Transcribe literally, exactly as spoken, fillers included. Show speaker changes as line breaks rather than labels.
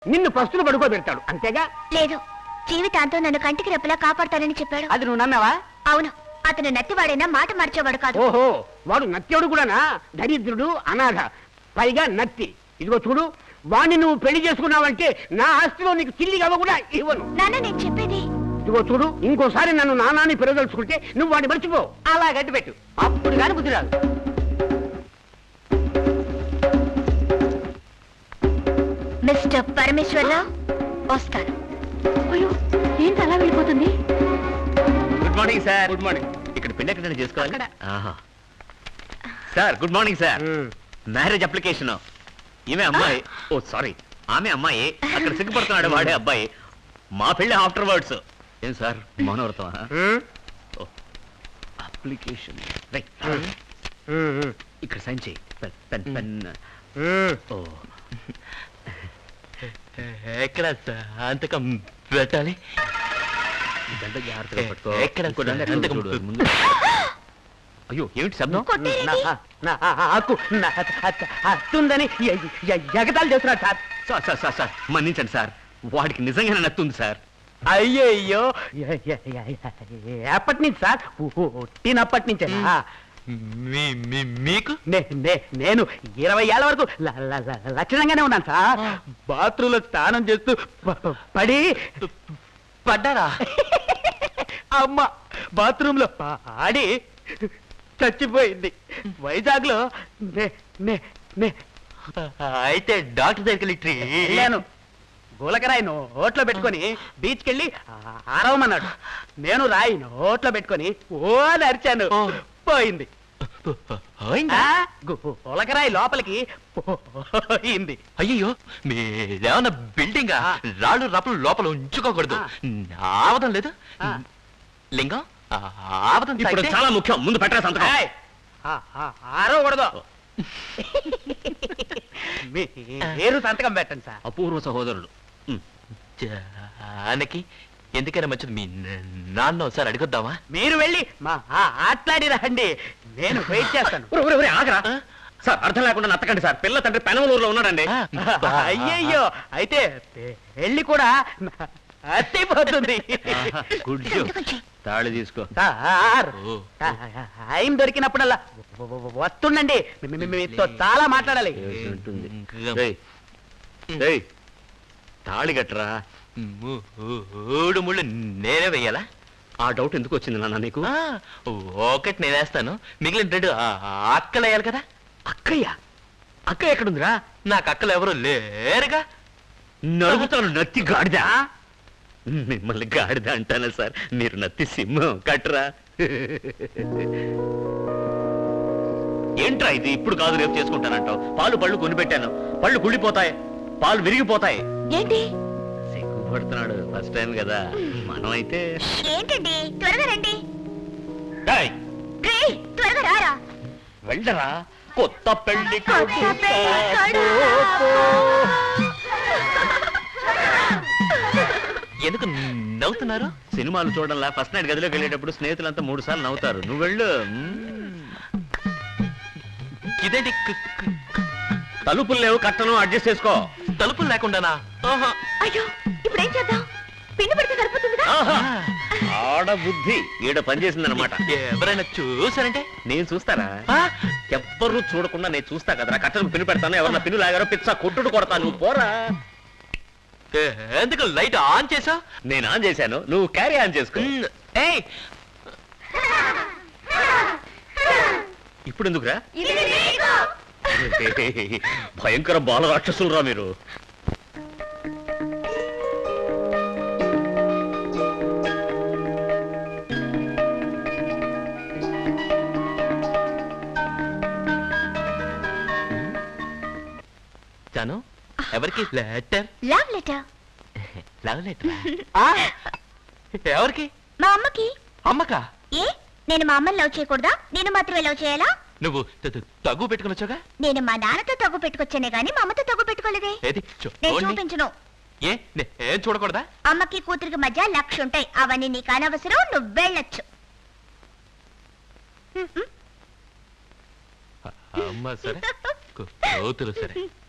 నిన్ను పస్తులు పడుకోబెడతాడు అంతేగా?
లేదు, జీవితాంతం నన్ను కంటికి రెప్పలా కాపాడతానని చెప్పాడు.
అది నువ్వు నమ్మావా?
అవును, అతను నత్తివాడైనా మాట మార్చేవాడు కాదు.
ఓహో, వాడు నత్యుడు కూడానా? దరిద్రుడు, అనాథ, పైగా నత్తి. ఇదిగో చూడు, వాణ్ణి నువ్వు పెళ్లి చేసుకున్నావంటే నా ఆస్తిలో నీకు చిల్లిగవ్వ కూడా ఇవ్వను.
నాన్న, నేను చెప్పేది.
ఇదిగో చూడు, ఇంకోసారి నన్ను నానాన్ని పెరగదలుచుకుంటే నువ్వు వాడిని మర్చిపో. అలా గట్టి పెట్టు, అప్పుడు కాని బుద్ధి రాదు.
మిస్టర్ పరమేశ్వరరావు, వస్తాను.
అయ్యో, ఏంటి అలా వెళ్ళిపోతుంది?
Good morning sir.
Good morning.
ఇక్కడ పెళ్లి ఎక్కడ చేసుకోవాలి? ఆహా. Sir good morning sir. Marriage application. ఈమె అమ్మాయి, ఓ సారీ, ఆమె అమ్మాయి. అక్కడ సిగ్గుపడుతున్నాడు వాడే అబ్బాయి. మా పెళ్లి ఆఫ్టర్ వర్డ్స్. ఏం సార్ మౌనవ్రతం? అప్లికేషన్ ఇక్కడ సైన్ చేయి. Pen pen. ఓ, ఎక్కడ అంతకం పెట్టాలి? జాగ్రత్తగా పట్టుకో. ఎక్కడ ముందు. అయ్యో, ఏమిటి శబ్దం?
అత్తుందని ఎగతాలు చేస్తున్నాడు sir.
Sir sir sir sir మన్నించండి సార్, వాడికి నిజంగానే నత్తుంది సార్.
అయ్యయ్యో, ఎప్పటి నుంచి సార్? పుట్టినప్పటి నుంచే.
మీకు
నేను ఇరవై ఏళ్ళ వరకు లక్షణంగానే ఉన్నాను సార్. బాత్రూంలో స్నానం చేస్తూ పడి
పడ్డారా?
అమ్మ బాత్రూమ్ లో పాడి చచ్చిపోయింది. వైజాగ్ లో
అయితే డాక్టర్ దగ్గరికి
వెళ్ళాను. గులకరాయి నోట్లో పెట్టుకొని బీచ్కి వెళ్ళి ఆరవమన్నాడు. నేను రాయి నోట్లో పెట్టుకొని ఓ నరిచాను, పోయింది. గులకరాయి లోపలికి పోయింది.
అయ్యో, మీరేమన్నా బిల్డింగ్ రాళ్ళు రప్పలు లోపల ఉంచుకోకూడదు. ఆవదం లేదు లింగం, ఆవదం చాలా ముఖ్యం. ముందు పెట్టరా సంతకం.
ఆరవకూడదు. మీరు సంతకం పెట్టండి సార్.
అపూర్వ సహోదరులు. జానకి, ఎందుకైనా మంచిది మీ నాన్న ఒకసారి అడిగొద్దామా?
మీరు వెళ్ళి మా ఆట్లాడి రండి, నేను వెయిట్ చేస్తాను.
ఆగరా సార్, అర్థం లేకుండా నత్తకండి సార్. పిల్ల తండ్రి పెనమలూరులో ఉన్నాడండి.
అయ్యయ్యో, అయితే పెళ్లి కూడా అత్తిపోతుంది.
తాళి తీసుకో
సార్. టైం దొరికినప్పుడల్లా వస్తుండండి, మీతో చాలా మాట్లాడాలి.
తాళి గట్రా. మూడు ముళ్ళు నేనే వెయ్యాలా? ఆ డౌట్ ఎందుకు వచ్చింది నాన్న నీకు? ఒకటి నేనేస్తాను, మిగిలిన రెండు అక్కలు వేయాలి కదా.
అక్కయ్య? అక్క ఎక్కడుందిరా?
నాకు అక్కలు ఎవరు లేరుగా. నరుగుతాను నత్తి గాడిదా. మిమ్మల్ని గాడిద అంటానా సార్? మీరు నత్తి సింహం కట్రా. ఏంట్రా ఇది? ఇప్పుడు కాదు రేపు చేసుకుంటానంటావు. పాలు పళ్ళు కొనిపెట్టాను, పళ్ళు కుళ్ళిపోతాయి, పాలు విరిగిపోతాయి.
ఏంటి
సిగ్గుపడుతున్నాడు, ఫస్ట్ టైం కదా. మనం అయితే
ఏంటండి, త్వరగా రండి.
రేయ్,
త్వరగా రారా.
వెళ్ళరా. కొత్త పెళ్లి ఎందుకు నవ్వుతున్నారు? సినిమాలు చూడాలా? ఫస్ట్ నైట్ గదిలోకి వెళ్ళేటప్పుడు స్నేహితులంతా మూడు సార్లు నవ్వుతారు. నువ్వు వెళ్ళు. ఇదేంటి? తలుపులు లేవు, కట్టను అడ్జస్ట్ చేసుకో. తలుపులు లేకుండానా?
అయ్యో, ఇప్పుడు ఏం చేద్దాం? పిండి పెడితే సరిపోతుందిగా.
ఆడ బుద్ధి ఈడ పనిచేసిందనమాట. ఎవరైనా చూసారంటే? నేను చూస్తారా? ఎవ్వరూ చూడకుండా నేను చూస్తా కదరా. కట్టను పిన్ను పెడతాను, ఎవరన్నా పిన్ను లాగారో పిచ్చా కొట్టుడు కొడతాను. నువ్వు పోరా. ఎందుకు లైట్ ఆన్ చేసా? నేను ఆన్ చేశాను, నువ్వు క్యారీ ఆన్ చేసుకో. ఇప్పుడు ఎందుకురా? భయంకర బాల రాక్షసులు రా మీరు. జాను, ఎవరికి letter?
Love letter.
Love letter ఎవరికి?
మా అమ్మకి.
అమ్మకా?
ఏ, నేను మా అమ్మని లవ్ చేయకూడదా? నేను మాత్రమే లవ్ చేయాలా?
నువ్వు తగ్గు పెట్టుకుని వచ్చాగా?
నేను మా నాన్నతో తగ్గు పెట్టుకొచ్చానే గానీ మా అమ్మతో తగ్గు పెట్టుకోలేదే. నేను చూపించను.
ఏ, ఏం చూడకూడదా?
అమ్మకి కూతురికి మధ్య లక్ష ఉంటాయి, అవన్నీ నీకు అనవసరం. నువ్వు వెళ్ళొచ్చు.
అమ్మ సరే, కూతురు సరే.